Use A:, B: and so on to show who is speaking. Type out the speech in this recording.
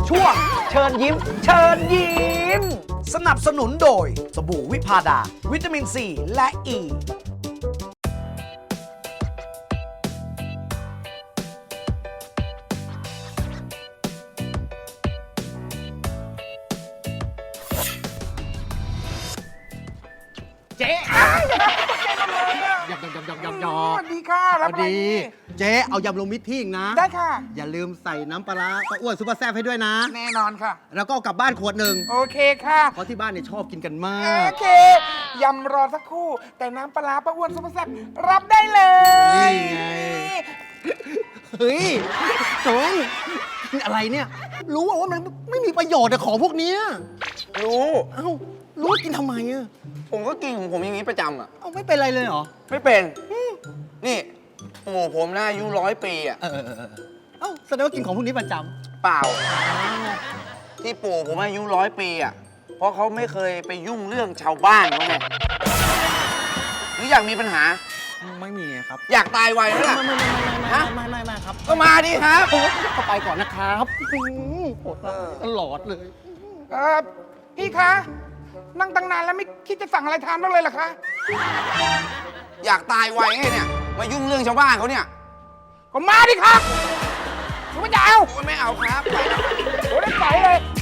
A: ช่วงเชิญยิ้ม เชิญยิ้ม สนับสนุนโดยสบู่วิพาดา วิตามินซีและอ e. ี
B: เจ๊
C: หยอก
B: ส
C: ส
B: วัสดีค่ะรับอะไร
C: ดี
B: นี่
C: เจ๊เอายำรวมมิตรที่อีกนะ
B: ได้ค่ะ
C: อย่าลืมใส่น้ำปลาร้าป้าอ้วนซุปเปอร์แซ่บให้ด้วยนะ
B: แน่นอนค่ะ
C: แล้วก็เอากลับบ้านขวดหนึ่ง
B: โอเคค่ะ
C: เพราะที่บ้านเนี่ยชอบกินกันมา
B: โอก เค ยำรอสักครู่ แต่น้ำปลาร้าป้าอ้วนซุปเปอร์แซ่บรับได้เลย
C: นี่ไง เฮ้ยจงกินอะไรเนี่ย รู้ว่ามันไม่มีประโยชน์อะของพวกเนี้ย
D: รู้
C: เอ้า รู้ว่ากินทำไมอะ
D: ผมก็กินของผมอย่างนี้ประจำอ่ะ
C: เอาไม่เป็นไรเลยเหรอ
D: ไม่เป็น นี่ปู่ผมน่าอายุ100 ปีอ่ะ
C: เออเอ้าแสดงว่ากินของพวกนี้ประจ
D: เปล่า ที่ปู่ผมอายุ100 ปีอ่ะ เพราะเขาไม่เคยไปยุ่งเรื่องชาวบ้านเขาไงหรืออยากมีปัญหา
C: ำไม่มีครับ
D: อยากตายไวไหมล่ะ
C: ไม่ครับ
D: ก็มาดิครับ
C: ก็ไปก่อนนะครับโหดตลอดเลย
B: พี่คะ นั่งตั้งนานแล้วไม่คิดจะสั่งอะไรทานบ้างเลยเหรอคะ
D: อยากตายไวไงเนี่ย มายุ่งเรื่องชาวบ้านเขาเนี่ย
B: ก็มาดิครับหนูไม่จะเอา
D: โอ้ยไม่เอาครับไปแล้ว
B: โอ้ได้ใส่เลย